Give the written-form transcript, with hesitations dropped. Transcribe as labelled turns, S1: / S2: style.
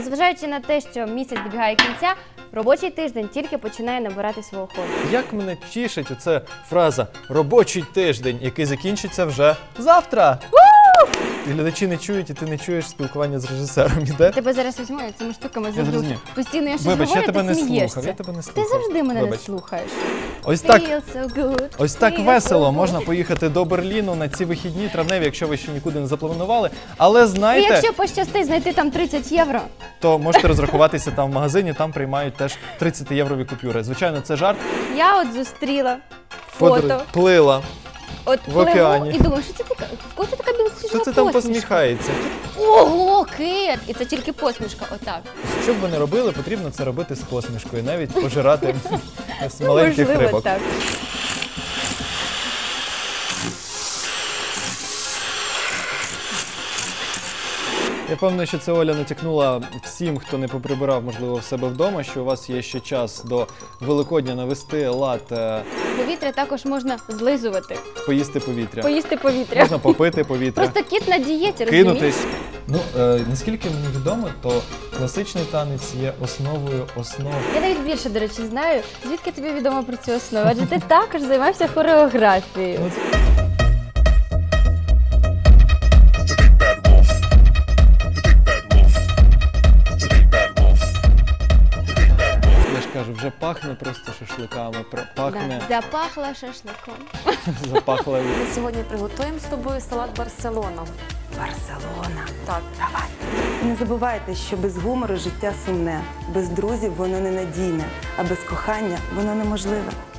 S1: Незважаючи на те, що місяць добігає кінця, робочий тиждень тільки починає набирати свого ходу.
S2: Як мене тішить оця фраза «робочий тиждень», який закінчиться вже завтра. І глядачі не чують, і ти не чуєш спілкування з режисером. Іде?
S1: Тебе зараз візьму, я цими штуками
S2: Я
S1: зроблю.
S2: зрозумів.
S1: Постійно я щось
S2: Вибач,
S1: говорю,
S2: я тебе
S1: ти
S2: не
S1: смієшся.
S2: слухав, я тебе не
S1: Ти
S2: слухав.
S1: завжди мене
S2: Вибач.
S1: не слухаєш.
S2: Ось так,
S1: Feel so good,
S2: ось так
S1: feel
S2: весело
S1: so good.
S2: можна поїхати до Берліну на ці вихідні травневі, якщо ви ще нікуди не запланували. Але
S1: І
S2: знаєте,
S1: якщо пощастить знайти там 30 євро,
S2: то можете розрахуватися там в магазині, там приймають теж 30-єврові купюри. Звичайно, це жарт.
S1: я от зустріла фото.
S2: Плила.
S1: От
S2: в океані.
S1: пливу і думаю, що це така, в кого це така білосніжна
S2: Що це там
S1: посмішка?
S2: посміхається?
S1: Ого, кит! І це тільки посмішка, отак.
S2: Що б ви не робили, потрібно це робити з посмішкою, навіть пожирати з маленьких
S1: Можливо,
S2: рибок.
S1: так.
S2: Я певний, що це Оля натякнула всім, хто не поприбирав, можливо, в себе вдома, що у вас є ще час до Великодня навести лад,
S1: Повітря також можна злизувати,
S2: поїсти повітря.
S1: поїсти повітря.
S2: Можна попити повітря,
S1: Просто кіт на дієті, розумієш?
S2: кинутись. Ну, наскільки мені відомо, то класичний танець є основою основ.
S1: Я навіть більше, до речі, знаю, звідки тобі відомо про цю основу, адже ти також займався хореографією.
S2: Ну, я ж кажу, вже пахне просто шашликами, пахне,
S1: Да, запахла шашликом.
S2: запахло.
S3: Ми сьогодні приготуємо з тобою салат Барселона.
S4: Барселона.
S3: Так,
S4: Давай. І не забувайте, що без гумору життя сумне, без друзів воно ненадійне, а без кохання воно неможливе.